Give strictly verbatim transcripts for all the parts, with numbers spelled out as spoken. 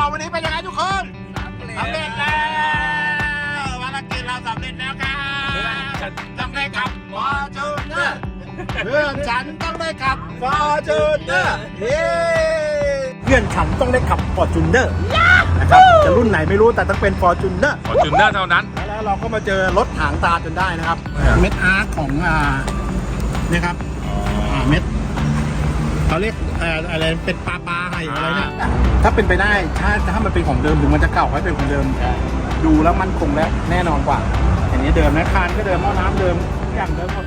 เราวันนี้เป็นยังไงทุกคนสำเร็จแล้วภารกิจเราสำเร็จแล้วครับต้องได้ขับฟอร์จูเนอร์เพื่อนฉันต้องได้ขับฟอร์จูเนอร์เย้เพื่อนฉันต้องได้ขับฟอร์จูเนอร์นะครับจะรุ่นไหนไม่รู้แต่ต้องเป็นฟอร์จูเนอร์ฟอร์จูเนอร์เท่านั้นแล้วเราก็มาเจอรถหางตาจนได้นะครับเม็ดอาร์ตของอ่านี่ครับอ่าเม็ดเขาเรียกอะไรเป็นปลาปลาไห่อะไรเนี่ยถ้าเป็นไปได้ถ้าถ้ามันเป็นของเดิมถึงมันจะเก่าให้เป็นของเดิมดูแล้วมันคงและแน่นอนกว่าอย่างนี้เดิมนะคานก็เดิมหม้อน้ำเดิมอย่างเดิมหมด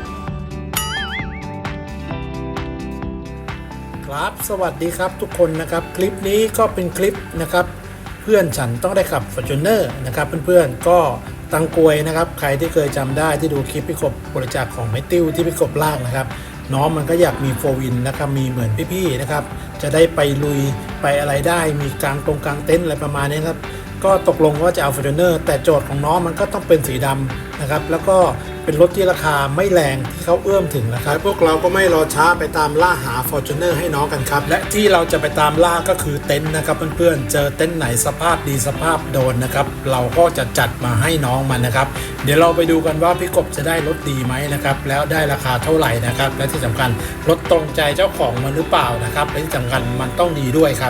ครับสวัสดีครับทุกคนนะครับคลิปนี้ก็เป็นคลิปนะครับเพื่อนฉันต้องได้ขับ Fortuner นะครับเพื่อนๆก็ตังกวยนะครับใครที่เคยจำได้ที่ดูคลิปพี่กบบริจาคของไม้ติ้วที่พี่กบลากนะครับน้องมันก็อยากมีโฟร์วินนะครับมีเหมือนพี่ๆนะครับจะได้ไปลุยไปอะไรได้มีกลางตรงกลางเต็นท์อะไรประมาณนี้ครับก็ตกลงว่าจะเอา Fortuner แต่โจทย์ของน้องมันก็ต้องเป็นสีดำนะครับแล้วก็เป็นรถที่ราคาไม่แรงที่เขาเอื้อมถึงนะครับพวกเราก็ไม่รอช้าไปตามล่าหา Fortuner ให้น้องกันครับและที่เราจะไปตามล่าก็คือเต็นท์นะครับเพื่อนๆเจอเต็นท์ไหนสภาพดีสภาพโดนนะครับเราก็จะจัดมาให้น้องมันนะครับเดี๋ยวเราไปดูกันว่าพี่กบจะได้รถดีไหมนะครับแล้วได้ราคาเท่าไหร่นะครับและที่สำคัญรถตรงใจเจ้าของมันหรือเปล่านะครับและที่สำคัญมันต้องดีด้วยครับ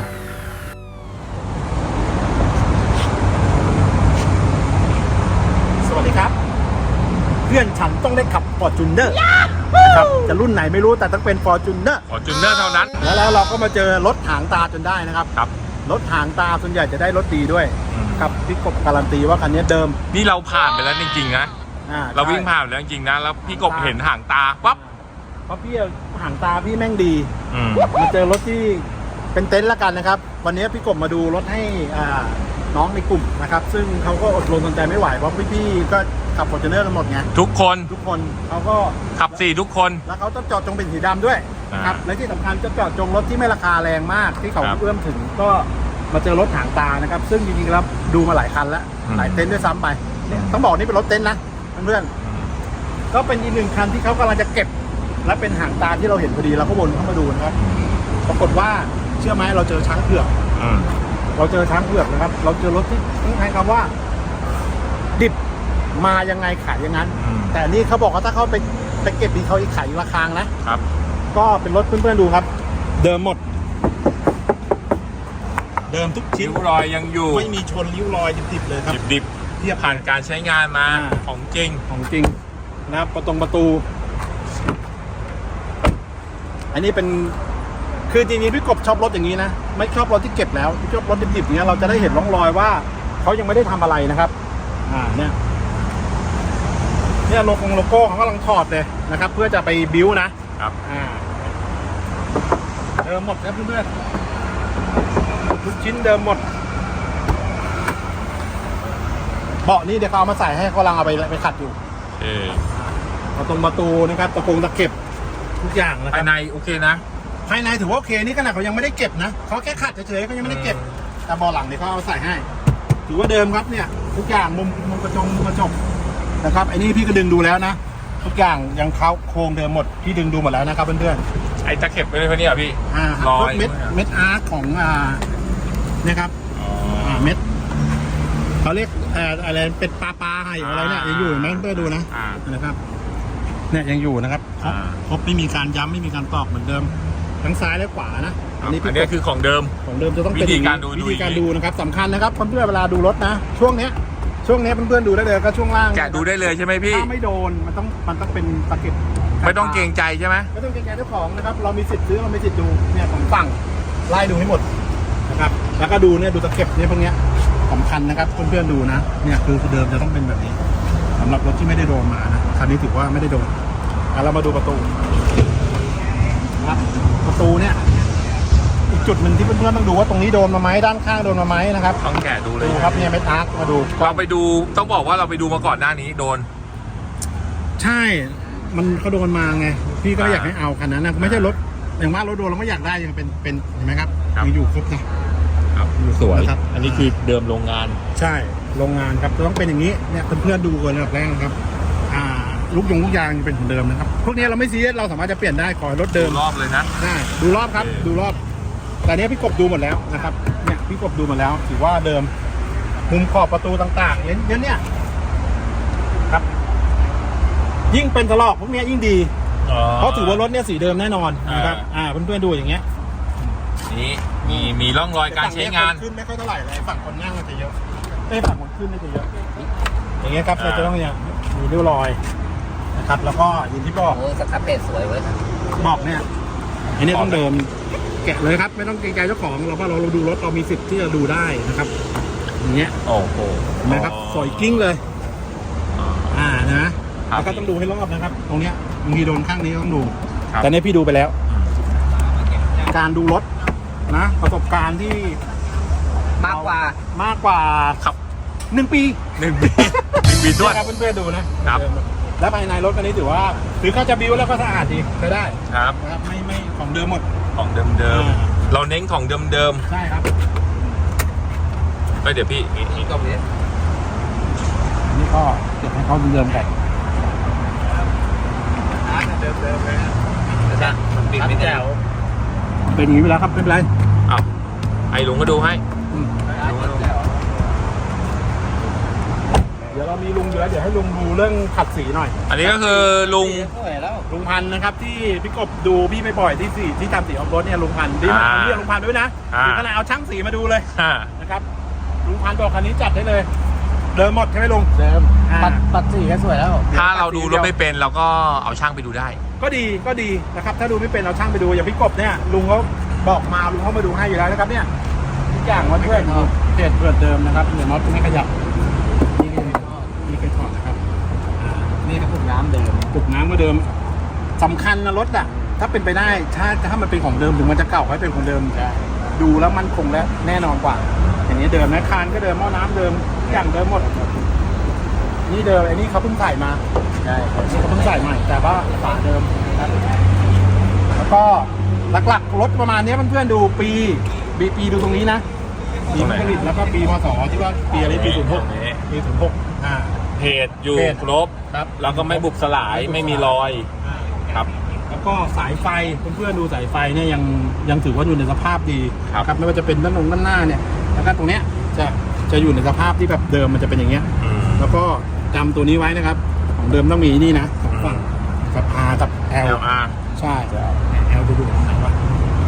สวัสดีครับเพื่อนฉันต้องได้ขับ Fortuner นะครับจะรุ่นไหนไม่รู้แต่ต้องเป็น Fortuner ฟอร์จูเนอร์เท่านั้นแล้วแล้วเราก็มาเจอรถหางตาจนได้นะครับครับรถหางตาส่วนใหญ่จะได้รถดีด้วยกับพี่กบการันตีว่าคันนี้เดิมนี่เราผ่านไปแล้วจริงๆนะเราวิ่งผ่านไปแล้วจริงๆนะแล้วพี่กบเห็นห่างตาปั๊บเพราะพี่หางตาพี่แม่งดีมาเจอรถที่เป็นเต็นท์ละกันนะครับวันนี้พี่กบมาดูรถให้น้องในกลุ่มนะครับซึ่งเขาก็อดรนทนใจไม่ไหวเพราะพี่ๆก็ขับ Fortuner กันหมดไงทุกคนทุกคนเขาก็ขับสี่ทุกคนแล้วเขาต้องจอดจงเป็นสีดำด้วยครับและที่สำคัญจะจอดจงรถที่ไม่ราคาแรงมากที่เขาเอื้อมถึงก็มาเจอรถหางตานะครับซึ่งจริงๆแล้วดูมาหลายคันแล้วหลายเต็นท์ด้วยซ้ำไปต้องบอกนี่เป็นรถเต็นท์นะเพื่อนๆก็เป็นอีกหนึ่งคันที่เขากำลังจะเก็บและเป็นหางตาที่เราเห็นพอดีเราก็วนเข้ามาดูนะครับปรากฏว่าเชื่อไหมเราเจอช้างเผือกเราเจอช้างเผือกนะครับเราเจอรถที่ต้องใช้คำว่าดิบมายังไงขายอย่างนั้นแต่นี่เขาบอกว่าถ้าเขาไปไปเก็บดีเขาอีกขายราคานะครับก็เป็นรถเพื่อนๆดูครับเดิมหมดเดิมทุกชิ้นริ้วรอยยังอยู่ไม่มีชนริ้วรอยดิบๆเลยครับดิบๆที่ผ่านการใช้งานมาของจริงของจริงนะครับประตูประตูอันนี้เป็นคือจริงๆพี่กบชอบรถอย่างนี้นะไม่ชอบรถที่เก็บแล้วที่ชอบรถดิบๆอย่างเงี้ยเราจะได้เห็นร่องรอยว่าเขายังไม่ได้ทำอะไรนะครับอ่าเนี่ยเนี่ยโลโก้โลโก้เขากำลังถอดเลยนะครับเพื่อจะไปบิ้วนะครับอ่าเดิมหมดครับเพื่อนๆทุกชิ้นเดิมหมดเบาะนี่เดี๋ยวเขาเอามาใส่ให้เขากำลังเอาไปไปขัดอยู่เออประตูประตูนะครับตะโกงตะเก็บทุกอย่างนะครับภายในโอเคนะภายในถือว่าโอเคนี่ขนาดเขายังไม่ได้เก็บนะเขาแค่ขัดเฉยๆเขายังไม่ได้เก็บแต่เบาะหลังเนี่ยเขาเอาใส่ให้ถือว่าเดิมครับเนี่ยทุกอย่างมุมมุมกระจกมุมกระจกนะครับไอ้นี่พี่ก็ดึงดูแล้วนะทุกอย่างยังเข้าโครงเดิมหมดพี่ดึงดูหมดแล้วนะครับเพื่อนๆไอ้ตะเข็บไปเลยพะเนี่ยพี่อ่ารอยเม็ดเม็ดอาร์ตของอ่าเนี่ยครับอ่าเม็ดเขาเรียกอะไรเป็นปลาปลาไห่อะไรเนี่ยยังอยู่ไหมเพื่อนดูนะนะครับเนี่ยยังอยู่นะครับครบไม่มีการย้ำไม่มีการตอกเหมือนเดิมทั้งซ้ายและขวานะอันนี้คือของเดิมของเดิมจะต้องเป็นวิธีการดูวิธีการดูนะครับสำคัญนะครับเพื่อนๆเวลาดูรถนะช่วงเนี้ยช่วงนี้เพื่อนๆดูได้เลยก็ช่วงล่างแกะดูได้เลยใช่ไหมพี่ถ้าไม่โดนมันต้องมันต้องเป็นตะเข็บไม่ต้องเกรงใจใช่ไหมไม่ต้องเกรงใจเจ้าของนะครับเรามีสิทธิ์ซื้อเรามีสิทธิ์ดูเนี่ยผมฟังไล่ดูให้หมดนะครับแล้วก็ดูเนี่ยดูตะเข็บเนี่ยพวกเนี้ยสำคัญนะครับเพื่อนๆดูนะเนี่ยคือเดิมจะต้องเป็นแบบนี้สำหรับรถที่ไม่ได้โดนมานะคันนี้ถือว่าไม่ได้โดนเรามาดูประตูครับประตูเนี่ยอีกจุดหนึ่งที่เพื่อนๆต้องดูว่าตรงนี้โดนมาไหมด้านข้างโดนมาไหมนะครับต้องแกะดูเลยครับเนี่ยเม็ดอาร์คมาดูเราไปดูต้องบอกว่าเราไปดูมาก่อนหน้านี้โดนใช่มันเขาโดนมาไงพี่ก็อยากให้เอาคันนั้นนะไม่ใช่รถอย่างว่ารถโดนเราไม่อยากได้ยังเป็นเป็นเห็นไหมครับยังอยู่ครบนะครับสวยครับอันนี้คือเดิมโรงงานใช่โรงงานครับต้องเป็นอย่างนี้เนี่ยเพื่อนๆดูกันระดับแรกครับอ่าลูกยงลูกยางเป็นของเดิมนะครับพวกนี้เราไม่ซีเรียสเราสามารถจะเปลี่ยนได้ขอรถเดิมรอบเลยนะใช่ดูรอบครับดูรอบแต่เนี้ยพี่กบดูหมดแล้วนะครับเนี่ยพี่กบดูมาแล้วถือว่าเดิมมุมขอบประตูต่างๆเนี่ยเนี่ยเนี่ยครับ ยิ่งเป็นถลอกพวกเนี้ยยิ่งดีเพราะถือว่ารถเนี่ยสีเดิมแน่นอนนะครับอ่าเพื่อนๆดูอย่างเงี้ยนี่มีมีร่องรอยการใช้งานขึ้นไม่ค่อยเท่าไหร่เลยฝั่งคนนั่งมันจะเยอะไอ้ฝั่งคนขึ้นนี่จะเยอะอย่างเงี้ยครับเราจะต้องเนี่ยมีริ้วรอยนะครับแล้วก็อย่างที่บอกโอ้สครับเพจสวยเว้ยบอกเนี่ยอันนี้ต้องเดิมแกะเลยครับไม่ต้องเกรงใจเจ้าของเราว่าเราเราดูรถเรามีสิทธิ์ที่จะดูได้นะครับอย่างเงี้ยโอ้โหเห็นไหมครับสวยกิ้งเลยอ่านะแล้วก็ต้องดูให้รอบนะครับ ตรงเนี้ยบางทีโดนข้างนี้ต้องดูแต่เนี่ยพี่ดูไปแล้ว การดูรถนะประสบการณ์ที่มากกว่ามากกว่าครับหนึ่งปีหนึ่งปีหนึ่งปีด้วยครับเพื่อนๆดูนะครับ แล้วภายในรถคันนี้ถือว่าถือเขาจะบิวแล้วก็สะอาดดีใช้ได้ครับนะครับไม่ไม่ของเดิมหมดของเดิมเดิมอ่าเราเน้นของเดิมเดิมใช่ครับไปเดี๋ยวพี่นี่ก็มีอันนี้ก็เก็บให้เขาเดิมๆไปเดิมเดิมเลยนะมันปิดไม่แจ๋วเป็นอย่างนี้ไปแล้วครับไม่เป็นไรอ้าวไอ้ลุงก็ดูให้อืมเดี๋ยวเรามีลุงอยู่แล้วเดี๋ยวให้ลุงดูเรื่องขัดสีหน่อยอันนี้ก็คือลุงสวยแล้วลุงพันธ์นะครับที่พี่กบดูพี่ไม่บ่อยที่สีที่ทำสีออฟโรดเนี่ยลุงพันธ์ดีมากอ่าเรียกลุงพันธ์ด้วยนะอ่าถึงขนาดเอาช่างสีมาดูเลยอ่านะครับลุงพันธ์บอกคันนี้จัดได้เลย เดิมหมดใช่ไหมลุงเดิมอ่าปัดปัดสีก็สวยแล้วถ้าเราดูรถไม่เป็นเราก็เอาช่างไปดูได้ก็ดีก็ดีนะครับถ้าดูไม่เป็นเราช่างไปดูอย่างพี่กบเนี่ยลุงเขาบอกมาลุงเขามาดูให้อยู่แล้วนะครับเนี่ยทุกอย่างวัดเพื่อนเศษเปิดเดิมนะครับเดี๋ยวน็อตไม่ขยับนี่นี่นี่คือถอดนะครับอ่านี่ก็พวกน้ำเดิมปุกน้ำก็เดิมสำคัญนะรถอ่ะถ้าเป็นไปได้ถ้าถ้ามันเป็นของเดิมถึงมันจะเก่าให้เป็นของเดิมดูแล้วมันคงและแน่นอนกว่า อย่างนี้เดิมนะคานก็เดิมหม้อน้ำเดิมทุกอย่างเดิมหมดนี่เดิมไอ้นี่เขาเพิ่งใส่มาใช่นี่เขาเพิ่งใส่ใหม่แต่ว่าฝาเดิมนะครับแล้วก็หลักๆรถประมาณนี้เพื่อนๆดูปีปีปีดูตรงนี้นะปีผลิตแล้วก็ปีพศที่ว่าปีอะไรปีศูนย์หกปีศูนย์หกอ่าเพจอยู่เพจครบครับแล้วก็ไม่บุบสลายไม่มีรอยอ่าครับแล้วก็สายไฟเพื่อนๆดูสายไฟเนี่ยยังยังถือว่าอยู่ในสภาพดีครับครับไม่ว่าจะเป็นด้านลงด้านหน้าเนี่ยแล้วก็ตรงเนี้ยจะจะอยู่ในสภาพที่แบบเดิมมันจะเป็นอย่างเงี้ยอืมแล้วก็จำตัวนี้ไว้นะครับ ของเดิมต้องมีนี่นะสองฝั่งกับ R กับ L แอลอาร์ใช่ L จะอยู่ตรงไหนวะ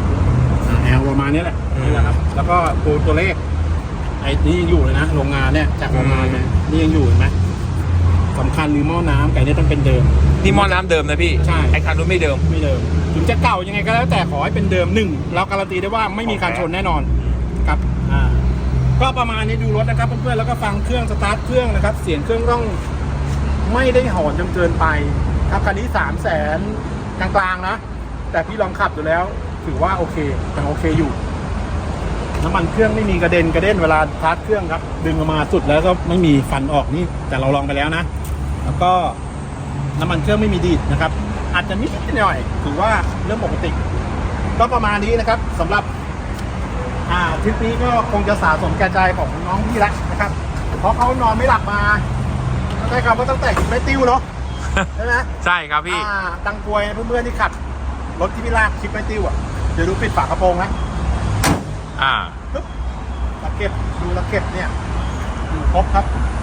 L ประมาณนี้แหละอืมนี่แหละครับ แล้วก็ตัวตัวเลขไอ้นี่ยังอยู่เลยนะโรงงานเนี่ยจากโรงงานเนี่ยนี่ยังอยู่เห็นไหมสำคัญคือหม้อน้ำไก่เนี่ยต้องเป็นเดิมนี่หม้อน้ำเดิมนะพี่ใช่ไอ้คันนู้นไม่เดิมไม่เดิมถึงจะเก่ายังไงก็แล้วแต่ขอให้เป็นเดิมหนึ่งเราการันตีได้ว่าไม่มีการชนแน่นอนครับอ่าก็ประมาณนี้ดูรถนะครับเพื่อนๆแล้วก็ฟังเครื่องสตาร์ทเครื่องนะครับ เสียงเครื่องต้องไม่ได้หอนจนเกินไปครับคันนี้สามแสนกลางๆนะแต่พี่ลองขับดูแล้ว ถือว่าโอเคยังโอเคอยู่น้ำมันเครื่องไม่มีกระเด็นกระเด็นเวลาสตาร์ทเครื่องครับ ดึงออกมาสุดแล้วก็ไม่มีฟันออกนี่แต่เราลองไปแล้วนะ แล้วก็น้ำมันเครื่องไม่มีดีดนะครับ อาจจะนิดหน่อยถือว่าเรื่องปกติ ก็ประมาณนี้นะครับสำหรับ อ่าทริปนี้ก็คงจะสะสมแก่ใจของน้องพี่ละนะครับ เพราะเขานอนไม่หลับมาใช่ครับว่าตั้งแต่กินไม่ติ้วเนาะใช่ไหมใช่ครับพี่อ่าตังกวยเพื่อนๆที่ขับรถที่พี่ลากคลิปไม่ติ้วอ่ะเดี๋ยวดูปิดฝากระโปรงนะอ่าปึ๊บตะเก็บดูตะเก็บเนี่ยอยู่ครบครับ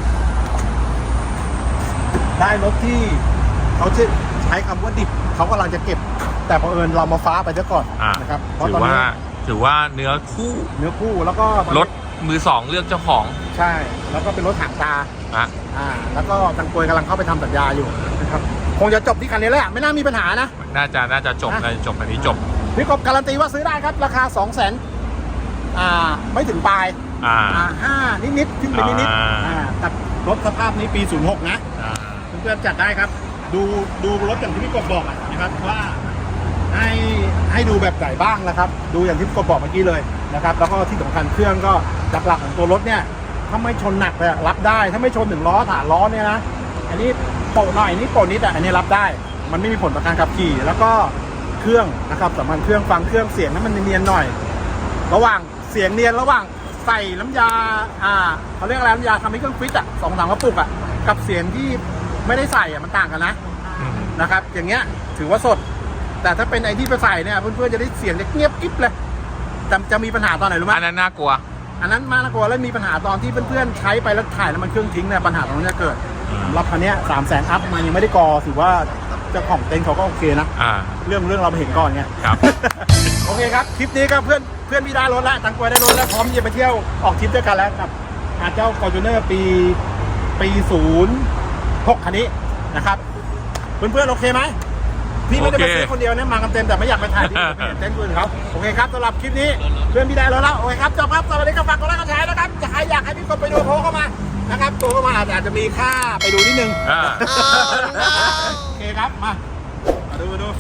ได้รถที่เขาจะใช้คำว่าดิบเขากำลังจะเก็บ แต่พอเผอิญเรามาฟ้าไปซะก่อนอ่านะครับเพราะถือตอนว่านี้ถือว่าเนื้อคู่เนื้อคู่แล้วก็ตอนนี้รถมือสองเลือกเจ้าของใช่แล้วก็เป็นรถหางตาอ่ะอ่าแล้วก็ตังกวยกำลังเข้าไปทำสัญญาอยู่นะครับคงจะจบที่คันนี้แหละไม่น่ามีปัญหานะน่าจะน่าจะจบนะน่าจะจบอันนี้จบพี่กบการันตีว่าซื้อได้ครับราคาสองแสนอ่าไม่ถึงปลายอ่าอ่าห้านิดๆขึ้นไปนิดๆอ่าอ่ากับรถสภาพนี้ปีศูนย์หกนะอ่าเพื่อนๆจัดได้ครับ ดูดูรถอย่างที่พี่กบบอกอะนะครับว่าให้ให้ดูแบบไหนบ้างนะครับ ดูอย่างที่พี่กบบอกเมื่อกี้เลยนะครับ แล้วก็ที่สำคัญเครื่องก็หลักๆของตัวรถเนี่ยถ้าไม่ชนหนักเลยอะรับได้ ถ้าไม่ชนถึงล้อฐานล้อเนี่ยนะอันนี้โปะหน่อยนี่โปะนิดอ่ะอันนี้รับได้ มันไม่มีผลต่อการขับขี่แล้วก็เครื่องนะครับสำคัญเครื่องฟังเครื่องเสียงนั้นมันเนียนๆหน่อย ระหว่างเสียงเนียนระหว่างใส่น้ำยาอ่าเขาเรียกอะไรน้ำยาทำให้เครื่องฟิตอ่ะสองสามกระปุกอ่ะกับเสียงที่ไม่ได้ใส่อ่ะมันต่างกันนะอืมนะครับอย่างเงี้ยถือว่าสด แต่ถ้าเป็นไอ้ที่ไปใส่เนี่ยเพื่อนๆจะได้เสียงเงียบกิ๊บเลยแต่จะมีปัญหาตอนไหนรู้ไหมอันนั้นน่ากลัวอันนั้นมากกว่าแล้วมีปัญหาตอนที่เพื่อนๆใช้ไปแล้วถ่ายแล้วมันเครื่องทิ้งเนี่ยปัญหาตรงนี้จะเกิดสำหรับคันนี้สามแสนอัพมันยังไม่ได้กอถือว่าเจ้าของเต็นท์เขาก็โอเคนะอ่าเรื่องเรื่องเราไปเห็นก่อนไงครับโอเคครับคลิปนี้ก็เพื่อนเพื่อนพี่ได้รถแล้วตังกวยได้รถแล้วพร้อมที่จะไปเที่ยวออกทริปด้วยกันแล้วกับอาเจ้า Fortuner ปีปีศูนย์หกคันนี้นะครับเพื่อนๆโอเคไหมพี่ไม่ได้ไปซื้อคนเดียวนะมากันเต็มแต่ไม่อยากไปถ่ายที่เต็นท์อื่นเขาโอเคครับสำหรับคลิปนี้เพื่อนพี่ได้รถแล้วโอเคครับจบครับสวัสดีครับฝากกดไลค์กดแชร์นะครับจะใครอยากให้พี่กดไปดูโทรเข้ามานะครับโทรเข้ามาอาจจะอาจจะมีค่าไปดูนิดนึงอ่าโอเคครับมามาดูมาดู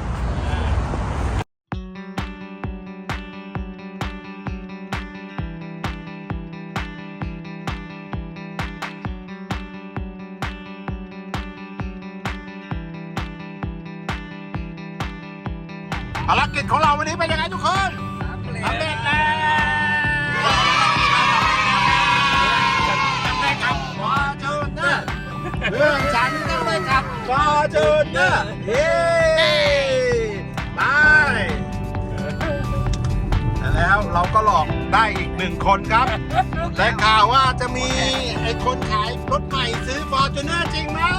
ภารกิจของเราวันนี้เป็นยังไงทุกคนสำเร็จแล้วต้องได้กับฟอร์จูเนอร์เพื่อนฉันต้องได้กับฟอร์จูเนอร์เย้ไปแล้วเราก็หลอกได้อีกหนึ่งคนครับได้ข่าวว่าจะมีไอ้คนขายรถใหม่ซื้อฟอร์จูเนอร์จริงไหม